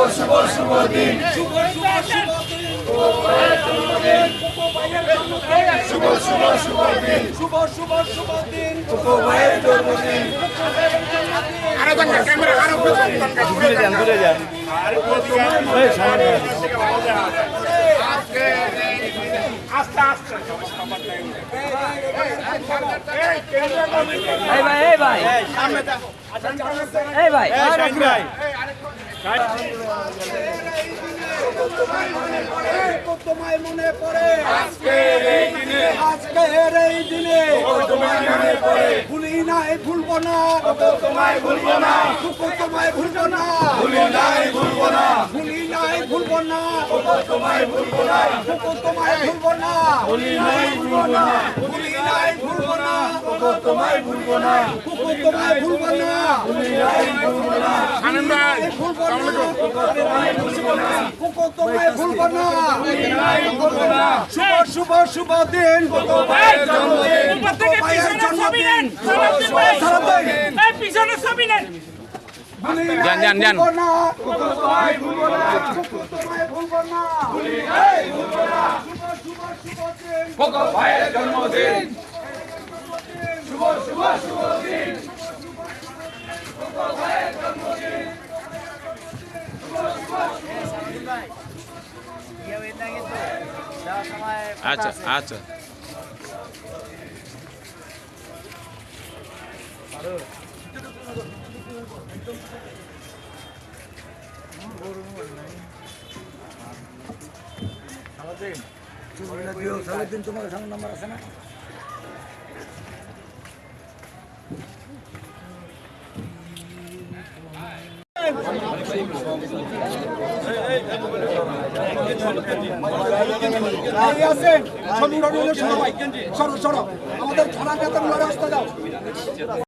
শুভ শুভ দিন শুভ শুভ শুভ দিন শুভ শুভ শুভ দিন ভাইয়ের জন্মদিন ঘুরে যান আস্তে আস্তে এই ভাই এই ভাই তোমায় মনে পড়ে আজকের এই দিনে ভুলি নাই ভুলবো না তোমায় ভুলবো না তোমায় ভুলবো না ভুলি নাই ভুলবো না ভুলি নাই ভুলবো না তোমায় ভুলবো না তোমায় ভুলবো না ভুলি নাই ভুলবো না ভুলি নাই ভুলবো না তোমায় ভুলবো না তোমায় ভুলবো না ভুলি নাই ভুলবো না আনন্দ ভাই ভুলবো না তোমায় ভুলবো না শুভ শুভ শুভ দিন ভাইয়ের জন্মদিন ভাইয়ের জন্মদিন পিছনে ছবি নেন যান যান যান তোমায় ভুলবো না ভুলি নাই ভুলবো না শুভ শুভ দিন ভাইয়ের জন্মদিন শুভ শুভ শুভ দিন ভাইয়ের জন্মদিন আচ্ছা আচ্ছা সারাদিন তোমার সামনে নাম্বার আছে না আমাদের থানা নেতা রাস্তা যাও